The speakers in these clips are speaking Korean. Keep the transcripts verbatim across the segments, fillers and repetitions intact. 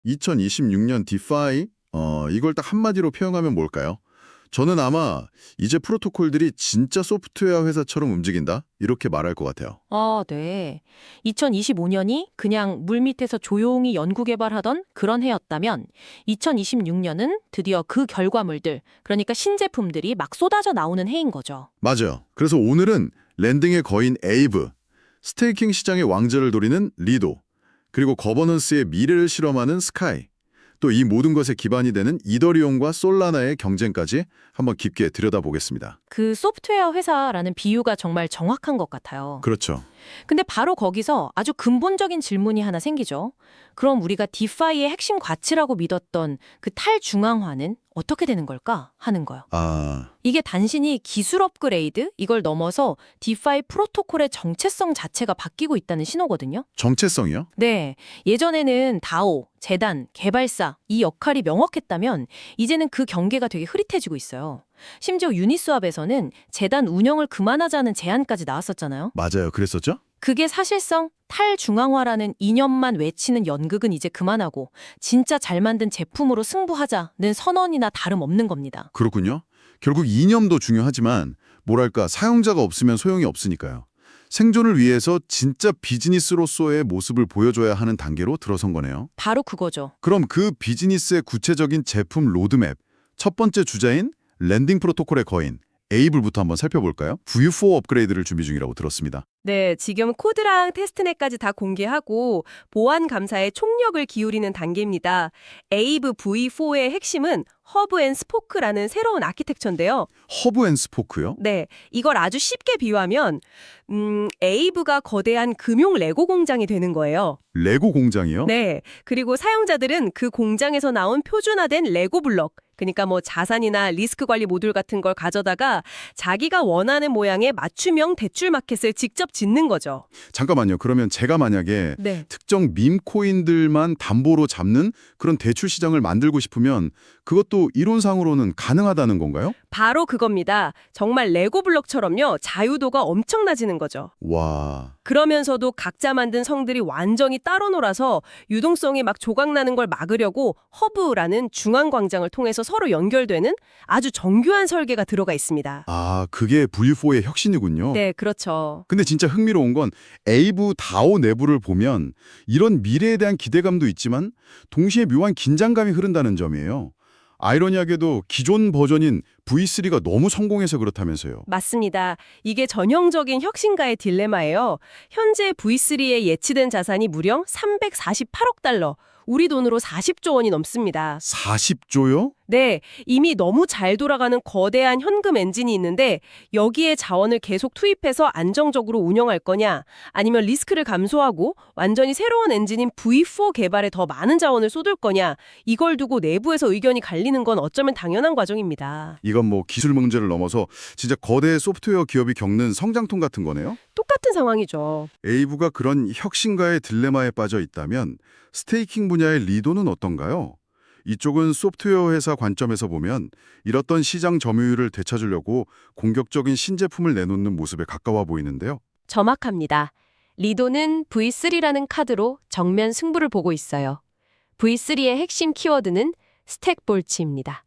이천이십육 년 디파이? 어, 이걸 딱 한마디로 표현하면 뭘까요? 저는 아마 이제 프로토콜들이 진짜 소프트웨어 회사처럼 움직인다? 이렇게 말할 것 같아요. 아, 네. 이천이십오 년이 그냥 물밑에서 조용히 연구 개발하던 그런 해였다면 이천이십육 년은 드디어 그 결과물들, 그러니까 신제품들이 막 쏟아져 나오는 해인 거죠. 맞아요. 그래서 오늘은 랜딩의 거인 에이브, 스테이킹 시장의 왕좌를 노리는 리도, 그리고 거버넌스의 미래를 실험하는 스카이, 또 이 모든 것에 기반이 되는 이더리움과 솔라나의 경쟁까지 한번 깊게 들여다보겠습니다. 그 소프트웨어 회사라는 비유가 정말 정확한 것 같아요. 그렇죠. 근데 바로 거기서 아주 근본적인 질문이 하나 생기죠. 그럼 우리가 디파이의 핵심 가치라고 믿었던 그 탈중앙화는 어떻게 되는 걸까 하는 거요. 아, 이게 단순히 기술 업그레이드 이걸 넘어서 디파이 프로토콜의 정체성 자체가 바뀌고 있다는 신호거든요. 정체성이요? 네, 예전에는 다오, 재단, 개발사 이 역할이 명확했다면 이제는 그 경계가 되게 흐릿해지고 있어요. 심지어 유니스왑에서는 재단 운영을 그만하자는 제안까지 나왔었잖아요. 맞아요. 그랬었죠? 그게 사실상 탈중앙화라는 이념만 외치는 연극은 이제 그만하고 진짜 잘 만든 제품으로 승부하자는 선언이나 다름없는 겁니다. 그렇군요. 결국 이념도 중요하지만 뭐랄까 사용자가 없으면 소용이 없으니까요. 생존을 위해서 진짜 비즈니스로서의 모습을 보여줘야 하는 단계로 들어선 거네요. 바로 그거죠. 그럼 그 비즈니스의 구체적인 제품 로드맵, 첫 번째 주자인 랜딩 프로토콜의 거인, 에이블부터 한번 살펴볼까요? 브이 사 업그레이드를 준비 중이라고 들었습니다. 네, 지금 코드랑 테스트넷까지 다 공개하고 보안 감사에 총력을 기울이는 단계입니다. 에이브 브이 사의 핵심은 허브 앤 스포크라는 새로운 아키텍처인데요. 허브 앤 스포크요? 네, 이걸 아주 쉽게 비유하면 음, 에이브가 거대한 금용 레고 공장이 되는 거예요. 레고 공장이요? 네, 그리고 사용자들은 그 공장에서 나온 표준화된 레고 블럭, 그러니까 뭐 자산이나 리스크 관리 모듈 같은 걸 가져다가 자기가 원하는 모양의 맞춤형 대출 마켓을 직접 짓는 거죠. 잠깐만요. 그러면 제가 만약에 네. 특정 밈 코인들만 담보로 잡는 그런 대출 시장을 만들고 싶으면 그것도 이론상으로는 가능하다는 건가요? 바로 그겁니다. 정말 레고 블럭처럼요. 자유도가 엄청나지는 거죠. 와, 그러면서도 각자 만든 성들이 완전히 따로 놀아서 유동성이 막 조각나는 걸 막으려고 허브라는 중앙 광장을 통해서 서로 연결되는 아주 정교한 설계가 들어가 있습니다. 아, 그게 브이 사의 혁신이군요. 네, 그렇죠. 근데 진짜 흥미로운 건 에이브 다오 내부를 보면 이런 미래에 대한 기대감도 있지만 동시에 묘한 긴장감이 흐른다는 점이에요. 아이러니하게도 기존 버전인 브이 쓰리가 너무 성공해서 그렇다면서요. 맞습니다. 이게 전형적인 혁신가의 딜레마예요. 현재 브이 쓰리에 예치된 자산이 무려 삼백사십팔억 달러, 우리 돈으로 사십조 원이 넘습니다. 사십 조요? 네, 이미 너무 잘 돌아가는 거대한 현금 엔진이 있는데 여기에 자원을 계속 투입해서 안정적으로 운영할 거냐, 아니면 리스크를 감소하고 완전히 새로운 엔진인 브이 사 개발에 더 많은 자원을 쏟을 거냐, 이걸 두고 내부에서 의견이 갈리는 건 어쩌면 당연한 과정입니다. 이건 뭐 기술 문제를 넘어서 진짜 거대 소프트웨어 기업이 겪는 성장통 같은 거네요. 똑같은 상황이죠. 에이브가 그런 혁신가의 딜레마에 빠져 있다면 스테이킹 분야의 리도는 어떤가요? 이쪽은 소프트웨어 회사 관점에서 보면 잃었던 시장 점유율을 되찾으려고 공격적인 신제품을 내놓는 모습에 가까워 보이는데요. 정확합니다. 리도는 브이 쓰리라는 카드로 정면 승부를 보고 있어요. 브이 쓰리의 핵심 키워드는 스택볼츠입니다.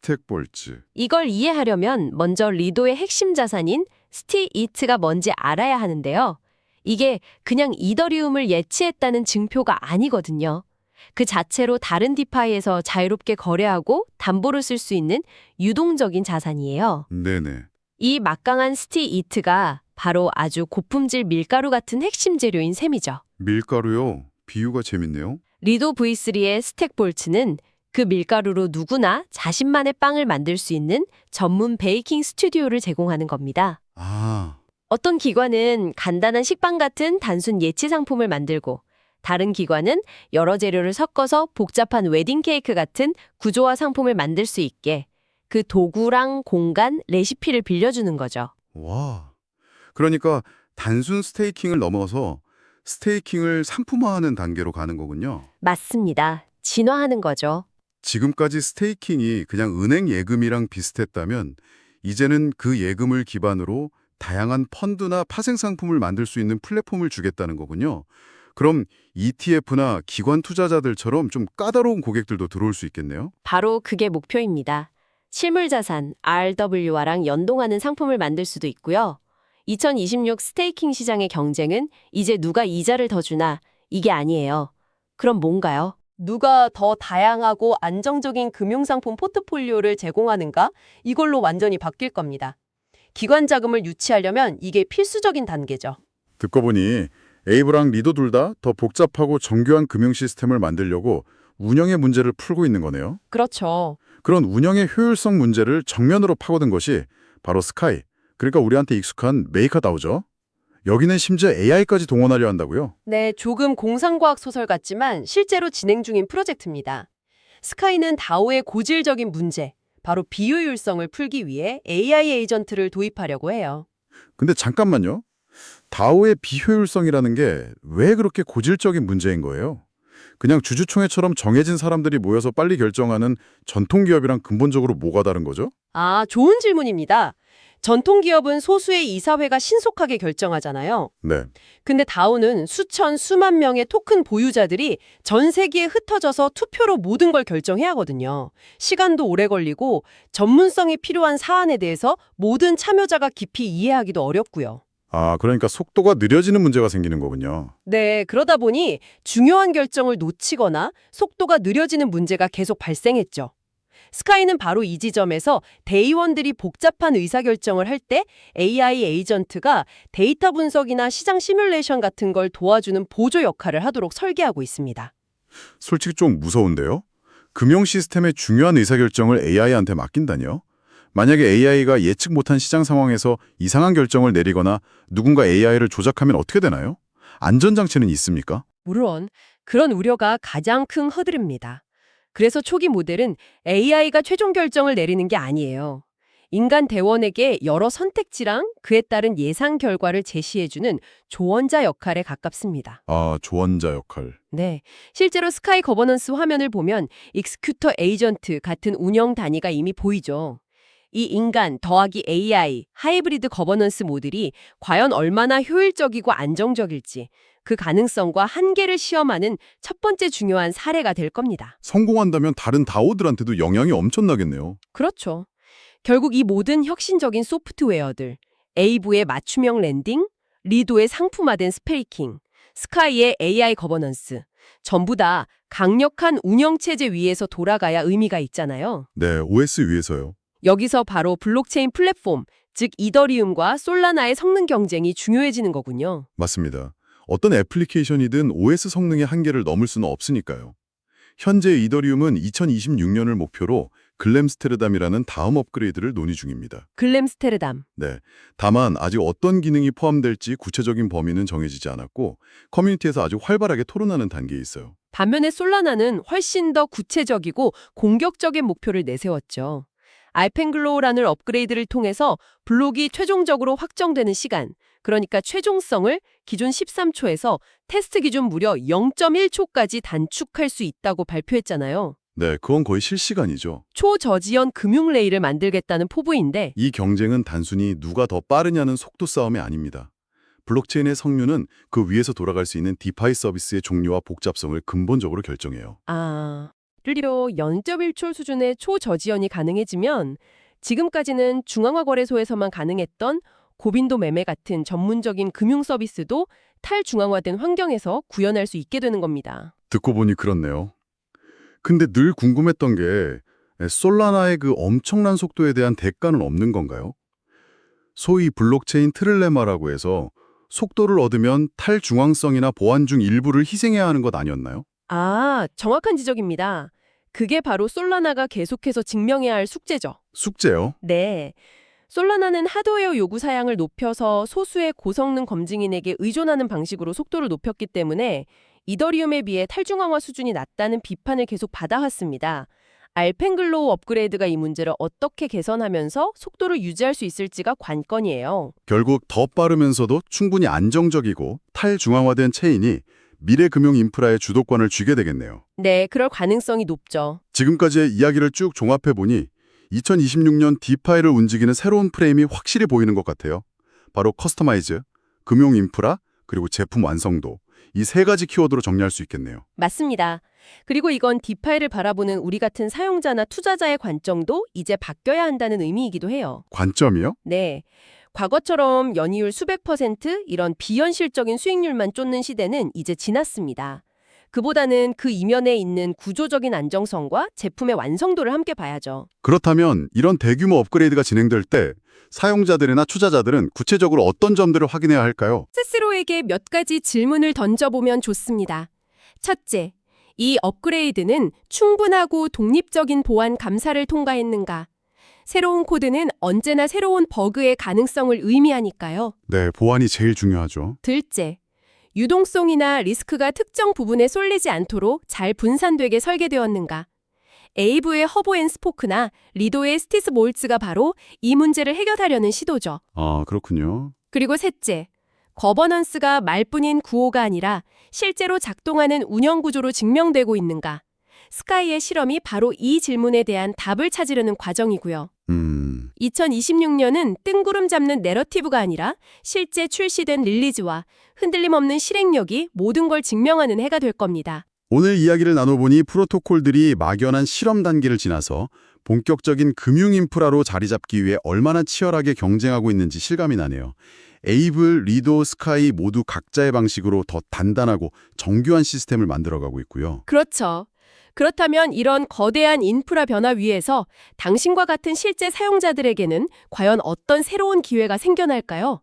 스택볼츠. 이걸 이해하려면 먼저 리도의 핵심 자산인 스티이트가 뭔지 알아야 하는데요. 이게 그냥 이더리움을 예치했다는 증표가 아니거든요. 그 자체로 다른 디파이에서 자유롭게 거래하고 담보를 쓸 수 있는 유동적인 자산이에요. 네네. 이 막강한 스티이트가 바로 아주 고품질 밀가루 같은 핵심 재료인 셈이죠. 밀가루요. 비유가 재밌네요. 리도 브이 쓰리의 스택볼츠는 그 밀가루로 누구나 자신만의 빵을 만들 수 있는 전문 베이킹 스튜디오를 제공하는 겁니다. 아, 어떤 기관은 간단한 식빵 같은 단순 예치 상품을 만들고 다른 기관은 여러 재료를 섞어서 복잡한 웨딩 케이크 같은 구조화 상품을 만들 수 있게 그 도구랑 공간, 레시피를 빌려주는 거죠. 와. 그러니까 단순 스테이킹을 넘어서 스테이킹을 상품화하는 단계로 가는 거군요. 맞습니다. 진화하는 거죠. 지금까지 스테이킹이 그냥 은행 예금이랑 비슷했다면 이제는 그 예금을 기반으로 다양한 펀드나 파생 상품을 만들 수 있는 플랫폼을 주겠다는 거군요. 그럼 이티에프나 기관 투자자들처럼 좀 까다로운 고객들도 들어올 수 있겠네요? 바로 그게 목표입니다. 실물자산 알더블유아랑 연동하는 상품을 만들 수도 있고요. 이천이십육 스테이킹 시장의 경쟁은 이제 누가 이자를 더 주나 이게 아니에요. 그럼 뭔가요? 누가 더 다양하고 안정적인 금융상품 포트폴리오를 제공하는가? 이걸로 완전히 바뀔 겁니다. 기관 자금을 유치하려면 이게 필수적인 단계죠. 듣고 보니 에이브랑 리도 둘 다 더 복잡하고 정교한 금융 시스템을 만들려고 운영의 문제를 풀고 있는 거네요. 그렇죠. 그런 운영의 효율성 문제를 정면으로 파고든 것이 바로 스카이, 그러니까 우리한테 익숙한 메이커다오죠. 여기는 심지어 에이아이까지 동원하려 한다고요? 네, 조금 공상과학 소설 같지만 실제로 진행 중인 프로젝트입니다. 스카이는 다오의 고질적인 문제, 바로 비효율성을 풀기 위해 에이아이 에이전트를 도입하려고 해요. 근데 잠깐만요. 다오의 비효율성이라는 게 왜 그렇게 고질적인 문제인 거예요? 그냥 주주총회처럼 정해진 사람들이 모여서 빨리 결정하는 전통기업이랑 근본적으로 뭐가 다른 거죠? 아, 좋은 질문입니다. 전통기업은 소수의 이사회가 신속하게 결정하잖아요. 네. 근데 다오는 수천, 수만 명의 토큰 보유자들이 전 세계에 흩어져서 투표로 모든 걸 결정해야 하거든요. 시간도 오래 걸리고 전문성이 필요한 사안에 대해서 모든 참여자가 깊이 이해하기도 어렵고요. 아, 그러니까 속도가 느려지는 문제가 생기는 거군요. 네, 그러다 보니 중요한 결정을 놓치거나 속도가 느려지는 문제가 계속 발생했죠. 스카이는 바로 이 지점에서 대의원들이 복잡한 의사결정을 할 때 에이아이 에이전트가 데이터 분석이나 시장 시뮬레이션 같은 걸 도와주는 보조 역할을 하도록 설계하고 있습니다. 솔직히 좀 무서운데요? 금융 시스템의 중요한 의사결정을 에이아이한테 맡긴다니요? 만약에 에이아이가 예측 못한 시장 상황에서 이상한 결정을 내리거나 누군가 에이아이를 조작하면 어떻게 되나요? 안전장치는 있습니까? 물론 그런 우려가 가장 큰 허들입니다. 그래서 초기 모델은 에이아이가 최종 결정을 내리는 게 아니에요. 인간 대원에게 여러 선택지랑 그에 따른 예상 결과를 제시해주는 조언자 역할에 가깝습니다. 아, 조언자 역할. 네, 실제로 스카이 거버넌스 화면을 보면 익스큐터 에이전트 같은 운영 단위가 이미 보이죠. 이 인간 더하기 에이아이 하이브리드 거버넌스 모델이 과연 얼마나 효율적이고 안정적일지 그 가능성과 한계를 시험하는 첫 번째 중요한 사례가 될 겁니다. 성공한다면 다른 다오들한테도 영향이 엄청나겠네요. 그렇죠. 결국 이 모든 혁신적인 소프트웨어들, 에이브의 맞춤형 랜딩, 리도의 상품화된 스페이킹, 스카이의 에이아이 거버넌스, 전부 다 강력한 운영체제 위에서 돌아가야 의미가 있잖아요. 네, 오에스 위에서요. 여기서 바로 블록체인 플랫폼, 즉 이더리움과 솔라나의 성능 경쟁이 중요해지는 거군요. 맞습니다. 어떤 애플리케이션이든 오에스 성능의 한계를 넘을 수는 없으니까요. 현재 이더리움은 이천이십육 년을 목표로 글램스테르담이라는 다음 업그레이드를 논의 중입니다. 글램스테르담. 네, 다만 아직 어떤 기능이 포함될지 구체적인 범위는 정해지지 않았고 커뮤니티에서 아주 활발하게 토론하는 단계에 있어요. 반면에 솔라나는 훨씬 더 구체적이고 공격적인 목표를 내세웠죠. 알펜글로우라는 업그레이드를 통해서 블록이 최종적으로 확정되는 시간, 그러니까 최종성을 기존 십삼 초에서 테스트 기준 무려 영 점 일 초까지 단축할 수 있다고 발표했잖아요. 네, 그건 거의 실시간이죠. 초저지연 금융 레일을 만들겠다는 포부인데 이 경쟁은 단순히 누가 더 빠르냐는 속도 싸움이 아닙니다. 블록체인의 성류는 그 위에서 돌아갈 수 있는 디파이 서비스의 종류와 복잡성을 근본적으로 결정해요. 아, 실제로 영 점 일 초 수준의 초저지연이 가능해지면 지금까지는 중앙화거래소에서만 가능했던 고빈도 매매 같은 전문적인 금융 서비스도 탈중앙화된 환경에서 구현할 수 있게 되는 겁니다. 듣고 보니 그렇네요. 근데 늘 궁금했던 게 솔라나의 그 엄청난 속도에 대한 대가는 없는 건가요? 소위 블록체인 트릴레마라고 해서 속도를 얻으면 탈중앙성이나 보안 중 일부를 희생해야 하는 것 아니었나요? 아, 정확한 지적입니다. 그게 바로 솔라나가 계속해서 증명해야 할 숙제죠. 숙제요? 네. 솔라나는 하드웨어 요구 사양을 높여서 소수의 고성능 검증인에게 의존하는 방식으로 속도를 높였기 때문에 이더리움에 비해 탈중앙화 수준이 낮다는 비판을 계속 받아왔습니다. 알펜글로우 업그레이드가 이 문제를 어떻게 개선하면서 속도를 유지할 수 있을지가 관건이에요. 결국 더 빠르면서도 충분히 안정적이고 탈중앙화된 체인이 미래 금융 인프라의 주도권을 쥐게 되겠네요. 네, 그럴 가능성이 높죠. 지금까지의 이야기를 쭉 종합해보니 이천이십육 년 디파이를 움직이는 새로운 프레임이 확실히 보이는 것 같아요. 바로 커스터마이즈, 금융 인프라, 그리고 제품 완성도. 이 세 가지 키워드로 정리할 수 있겠네요. 맞습니다. 그리고 이건 디파이를 바라보는 우리 같은 사용자나 투자자의 관점도 이제 바뀌어야 한다는 의미이기도 해요. 관점이요? 네. 과거처럼 연이율 수백 퍼센트 이런 비현실적인 수익률만 쫓는 시대는 이제 지났습니다. 그보다는 그 이면에 있는 구조적인 안정성과 제품의 완성도를 함께 봐야죠. 그렇다면 이런 대규모 업그레이드가 진행될 때 사용자들이나 투자자들은 구체적으로 어떤 점들을 확인해야 할까요? 스스로에게 몇 가지 질문을 던져보면 좋습니다. 첫째, 이 업그레이드는 충분하고 독립적인 보안 감사를 통과했는가? 새로운 코드는 언제나 새로운 버그의 가능성을 의미하니까요. 네, 보안이 제일 중요하죠. 둘째, 유동성이나 리스크가 특정 부분에 쏠리지 않도록 잘 분산되게 설계되었는가? 에이브의 허브 앤 스포크나 리도의 스티스 몰츠가 바로 이 문제를 해결하려는 시도죠. 아, 그렇군요. 그리고 셋째, 거버넌스가 말뿐인 구호가 아니라 실제로 작동하는 운영 구조로 증명되고 있는가? 스카이의 실험이 바로 이 질문에 대한 답을 찾으려는 과정이고요. 음, 이천이십육 년은 뜬구름 잡는 내러티브가 아니라 실제 출시된 릴리즈와 흔들림 없는 실행력이 모든 걸 증명하는 해가 될 겁니다. 오늘 이야기를 나눠보니 프로토콜들이 막연한 실험 단계를 지나서 본격적인 금융 인프라로 자리 잡기 위해 얼마나 치열하게 경쟁하고 있는지 실감이 나네요. 에이블, 리도, 스카이 모두 각자의 방식으로 더 단단하고 정교한 시스템을 만들어가고 있고요. 그렇죠. 그렇다면 이런 거대한 인프라 변화 위에서 당신과 같은 실제 사용자들에게는 과연 어떤 새로운 기회가 생겨날까요?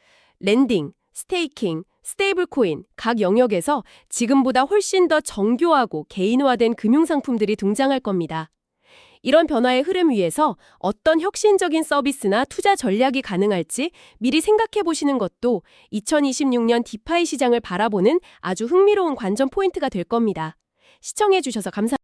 랜딩, 스테이킹, 스테이블 코인 각 영역에서 지금보다 훨씬 더 정교하고 개인화된 금융상품들이 등장할 겁니다. 이런 변화의 흐름 위에서 어떤 혁신적인 서비스나 투자 전략이 가능할지 미리 생각해 보시는 것도 이천이십육 년 디파이 시장을 바라보는 아주 흥미로운 관전 포인트가 될 겁니다. 시청해 주셔서 감사합니다.